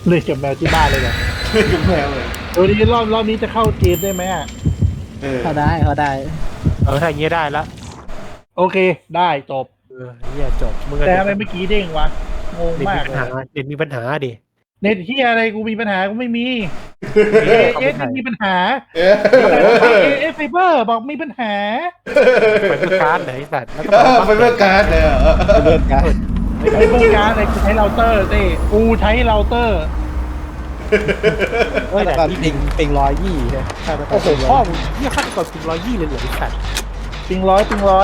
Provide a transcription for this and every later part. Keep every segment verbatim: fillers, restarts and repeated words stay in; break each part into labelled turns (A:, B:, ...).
A: เลยกับแมวที่บ้านเลยเหรอ
B: กับแมวเลย
A: เออนี่รอบรอบนี้จะเข้าเกมได้ไหมอ่ะ
B: เออ
C: เขาได้เขาได้
D: เออถ้าอย่างเงี้ยได้ละ
A: โอเคได้จบ
D: เออเฮียจบมึงก็
A: แต่
D: เด็
A: ทำไมเมื่อกี้เด้งวะงง
D: เด็กมี
A: มาก
D: ปัญหา
A: เลย
D: เด็กมีปัญหาดิ
A: เน็ตที่อะไรกูมีปัญหากูไม่มีเอเอสไม่มีปัญหา
B: เออ
A: เอเอสไฟเบอร์บอกมีปัญหา
D: ไปเพื่อการ์ดไหนสัตว์แล้วก็
B: ไปเพื่อการเลยเหรอ
C: เลื่อนกัน
A: ไอ้เบอร์การ์ดอะไรกูใช้เราเตอร์เต้กูใช้เราเตอร์
C: เฮ้ยแต่ก็ปิงปิงร้อยยี่ใช่ใช่
D: โอ้โหพ่อมึงเฮียขั้นก่อนถึงร้อยยี่เลยเหรอไอ้สัตว์
A: ปิงร้อยปิงร้อย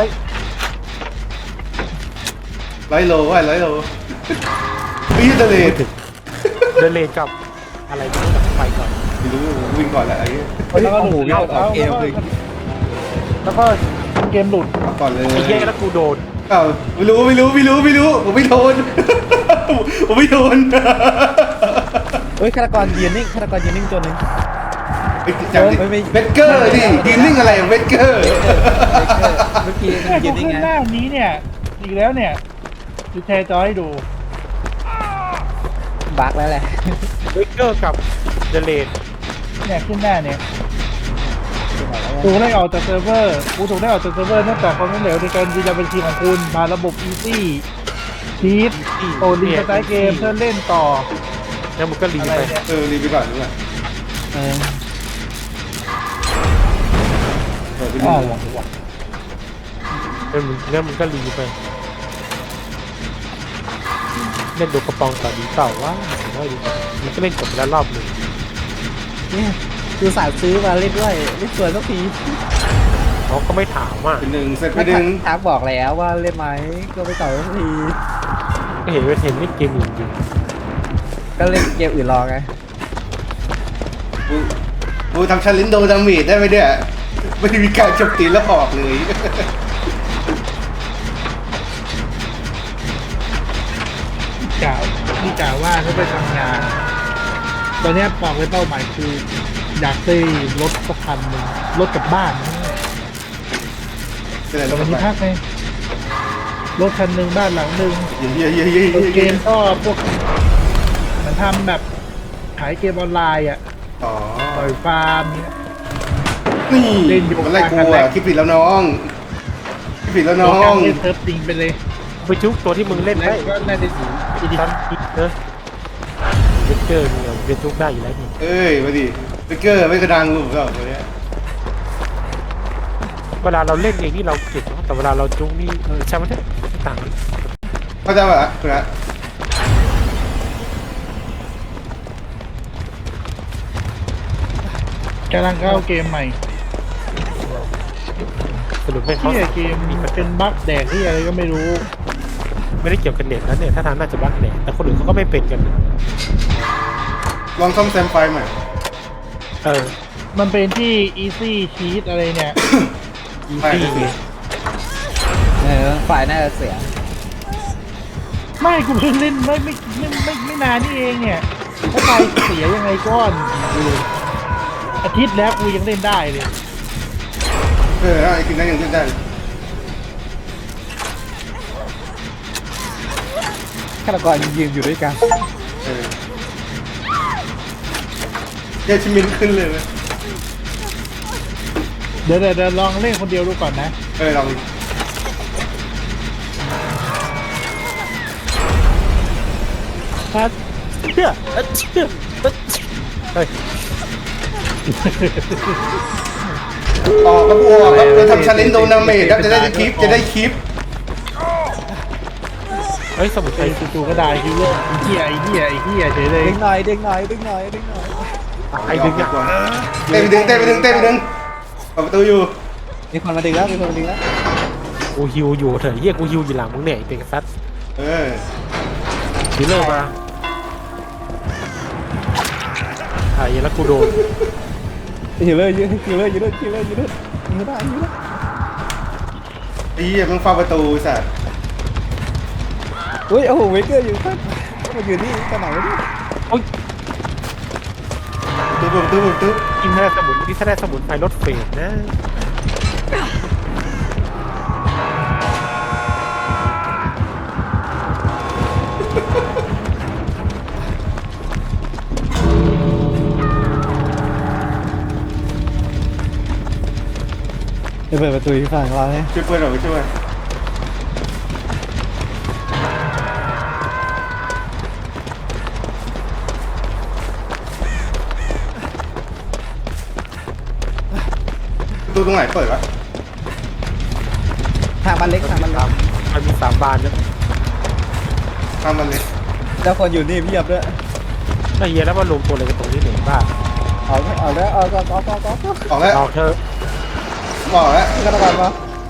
B: ร้อยโลว่ะร้อยโลวิ่งทะเล
D: เดินเลนกับอะไรไม่รู้ไปก่อน
B: ไม่รู้วิ่งก่อนแหละไอ้เงี้ย
A: แล้วก็หลุดแล้วแล้วก็เกมหลุด
B: เอาก่อนเลย
D: ไอ้เฮียแล้วกูโดน
B: อ้าวไม่รู้ไม่รู้ไม่รู้ไม่รู้ผมไม่โดนผมไม่โดน
C: เฮ้ยฆาตกรยืนนิ่งฆาตกรยืนนิ่งตัวหนึง
B: จำดิเวทเกอร์ดิยืนนิ่งอะไรเวทเกอร์
C: เมื่อกี้
A: แค่
C: ยื
A: กู
C: นนิ่ง
A: ขึ้น
C: ไง
A: หน้านี้เนี่ยอีกแล้วเนี่ยจะแชร์จอให้ดู
C: บั๊กแล้วแหละ
D: เวกเกอร์กับเดเลน
A: เนี่ยขึ้นหน้าเนี่ยกูได้ออกจากเซิร์ฟเวอร์กูถูกได้ออกจากเซิร์ฟเวอร์เนื่องจากความล้มเหลวในการยืนยันบัญชีของคุณมาระบบ Easy ชีทโอดีสไตล์เกมเพื่อเล่นต่อ
D: แล้วมึงก็รี
A: อะไร
D: ไป
A: เนี่ย
B: เออรีบไปก่อนดีกว่า
C: เออ
B: เออไป
A: อ๋
B: ดู
A: อ
D: แล้วมึงแล้วมึงก็รีไปเล่นดูกระปองต่อดีเปล่าวะไม่ดีมันก็เล่นจบไปแล้วรอบหนึ่ง
C: เนี่ยคือสายซื้อมาเล่นด้วยเล่นสวยสักที
D: เขาก็ไม่ถามอ่ะ
B: เป็นหนึ่งเซตไปหนึ่ง
C: ทักบอกแล้วว่าเล่นไหมก็ไปต่อสักที
D: ก็เห็นว่าเห็นเล่นเกมอื่นอยู่
C: ก็เล่นเกมอื่นรอไง
B: กูกูทำชันลินโดดามีดได้ไหมเนี่ยไม่ได้มีการโจมตีแล้วออกเลย
A: กล่าวนี่กล่าวว่าเขาไปทำงาน ตอนเนี้ยบอกเลยเป้าหมายคือ อยากได้รถสักคันหนึ่งรถกลับบ้านนะ
B: เป็นอะไร
A: แต่วัน
B: ไป
A: นี้พักไงรถคันหนึ่งบ้านหลังหนึ่ง
B: เยี่ยเยี่ยเยี่ย
A: รถเก
B: เยี่ย
A: มก็พวกเหมันทำแบบขายเกมออนไลน์อ่ะ
B: อ๋อ
A: ปล่อยฟาร์มเนี่ย
B: นี่
A: เล่นอยู่
B: มันไล่กูอ่ะคิดผิดแล้วน้องคิดผิดแล้วน้อง
A: เล่นเซิร์ฟจริงไปเลย
D: ไปจุกตัวที่มึงเล่น
A: แล้ว
D: ได้
A: ก็น่าจะสีอีดิ
D: ตอนอีกเนอะเวกเกอร์มึงเอาเป็นจุกได้อยู่แล้วนี่
B: เอ้ยมาดิสเกอร์ไม่กระดังกูก็ตัวเนี้ย
D: เวลาเราเล่นเองนี่เราเก่งเนอะแต่เวลาเราจุกนี่เออใช่ไหมเนี่ยไม่ต่างกัน
B: เข้าใจป่ะคุณนะ
A: กำลังเข้าเกมใหม่
D: สรุปไม่เขา
A: ที่เกม
D: มีปัญ
A: เป็น
D: หา
A: บั๊กแดกที่อะไรก็ไม่รู้
D: ไม่ได้เกี่ยวกับเน็ตนะเนี่ยถ้าทางน่าจะบั๊กเน็ตแต่คนอื่นเขาก็ไม่เป็นกัน
B: ลองซ่อมแซมไฟใหม่
D: เออ
A: มันเป็นที่ easy cheat อะไรเนี่ย
D: อี
B: ใช่
D: ซี่
B: สิ
C: เออฝ่ายน่าจะเสีย
A: ไม่กูเพิ่งเล่นไม่ไม่ไม่ไม่ไม่นานนี่เองเนี่ยถ้าไปเสียยังไงก้อนอาทิตย์แล้วกูยังเล่นได้เลย
B: เออไอ้กินนั้นยังขึ้นได้
C: ฆาตกรยืนอยู่ด้วยกัน
B: เออเยชิมินขึ้นเลยไหม
A: เดี๋ยวเดี๋ยวเดี๋ยวลองเล่นคนเดียวดูก่อนนะ
B: เออลอง
D: ครับเชื่อเชื่อเฮ้ย
B: ออกครับออกครับไปทำชันลินโดนาเมดครับจะได้คลิปจะได้คลิป
D: เฮ้ยสมุดไท
A: ไอ้
D: ย
A: จู่ๆก็ได้คิวเลอร์ไอ้เหี้ยไอ้เหี้ยไอ้เหี้ยเฉยเลย
C: ดึงหน่อยดึงหน่อยดึงหน่อยดึงหน่อย
D: ไอ้ดึงอ่ะ
B: เต้ไปดึงเต้ไปดึงเต้ไปดึงเปิดประตูอยู่
C: มีคนมาดึงแล้วมีคนมาดึงแล้ว
D: กูฮิวอยู่เถอะเฮียกูฮิวอยู่หลังมึงเนี่ยไอ้เป็นซัด
B: เออ
D: ฮิลเลอร์มาไอ้แล้วกูโดน
C: ฮิลเลอร์ยืนฮิลเลอร์ยืนฮิลเลอร์ยืนยืนไม่ได้ยืน
B: ไอ้เหี้ยมึงเฝ้าประตูสัตว์
C: เฮ้ยโอ้โหเวเกอร์อยู่ข้างมาอยู่นี่กันไหนวะเนี่ย
D: โอ้ย
B: ตู้ประตูประตู
D: กินถ้าได้สมุนที่ถ้าได้สมุนไพรลดเฟสนะ
C: ไปเปิดประตูที่ฝั่งเราเนี่ย
B: ช่วยเพื่อนเราไปช่วยประตูตรงไหนเปิดวะ
C: ทางมันเล็กทางมันเล็ก
D: มันมีสามบานด้วย
B: ทำมันเลย
C: แล้วคนอยู่นี่เพียบด้วย
D: ไอ้เหี้ยแล้วมารวมตัวอะไรกันตรงนี้หนึ่งบ้า
C: เอาเอาแล้วเอาเอาเอาเอาเอาเอา
B: ออกแล้ว
D: เอาเธอะ
B: บอกแล้ว
C: กระดานมา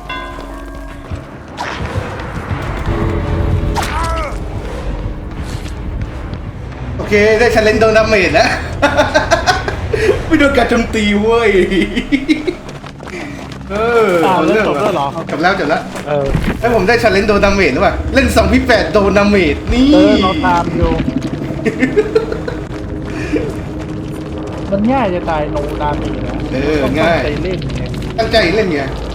B: โอเคได้ชาเลนจ์โดนดาเมจแล้ว ไม่โดนการโจมตีเว้ย เออ
A: อ้าว
B: เอา
A: เล่น
B: เรื่อง
A: จบแล้วเหรอ
B: จบแล้วจบแล้ว
D: เออ
B: แล้วผมได้ชาเลนจ์โดนดาเมจหรือเปล่าเล่นสองพี่แปดโดนดาเมจนี่
A: เออเราตามอยู่มันง่ายจะตายโนดามีนะ
B: เออ
A: ต้อง
B: ง่าย
A: ตั้งใจเล่นไง
B: ตั้งใจเล่นไง